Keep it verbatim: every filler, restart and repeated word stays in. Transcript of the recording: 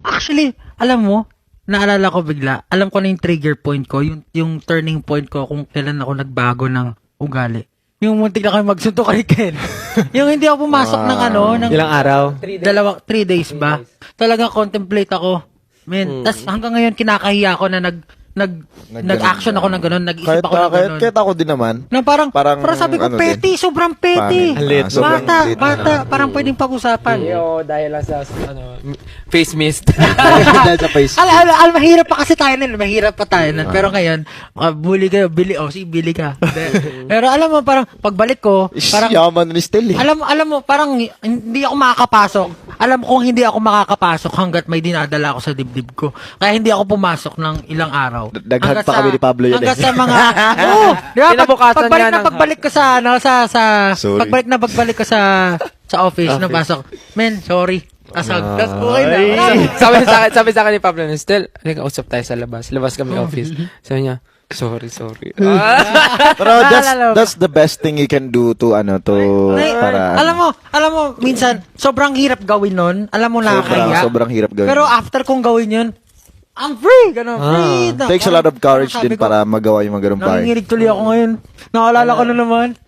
Actually, alam mo, naalala ko bigla, alam ko na yung trigger point ko, yung, yung turning point ko kung kailan ako nagbago ng ugali. Yung muntik na kayo magsunto kay Ken. Yung hindi ako pumasok ng ano, ng Ilang araw? dalawa, three days ba? Talagang contemplate ako. Man, tas hanggang ngayon kinakahiya ako na nag nag nag-action ako ng ganun, nag-isip Kahit, ako ng kahit, ganun. kahit ako din naman. Na parang, Parang, parang sabi ko, ano petty, sobrang petty. Pangit. Ah, sobrang Bata, petty. bata, parang pwedeng pag-usapan. Oo, dahil lang sa, ano, face mist. Dahil sa face. Al, al, al, mahirap pa kasi tayo nun, mahirap pa tayo nun. Pero ngayon, uh, bully kayo, bili, oh, si Billy ka. Pero alam mo, parang, pagbalik ko, parang, Yaman ni Still eh. alam, alam mo, parang, hindi ako makakapasok. Alam kong hindi ako makakapasok hanggat may dinadala ako sa dibdib ko. Kaya hindi ako pumasok ng ilang araw. Daghag Hanggat pa sa- kami ni Pablo yun Hanggat eh. sa mga, oo, di ba, pag, Kinabukasan pagbalik niya na ng- pagbalik ko sa, ano, sa, sa, Sorry. pagbalik na pagbalik ko sa, sa office, napasok. Men, sorry. Kasag. Tapos okay na. Wala na. sabi sa akin, sabi sa akin ni Pablo, Stel, halika, usap tayo sa labas. Labas kami office. Sabi niya, sorry, sorry. Ah. Pero that's, Naalala mo. that's the best thing you can do to, ano, to, Ay, para, alam mo, alam mo, minsan, sobrang hirap gawin nun. Alam mo, sobrang, nakakaya. sobrang hirap gawin. Pero after kong gawin yun, I'm free! Ganun, Ah. free! Na- Takes a lot of courage sabi din ko, para magawa yung mga ganun bagay. nanginginig tuloy ako ngayon. Naalala ko na naman.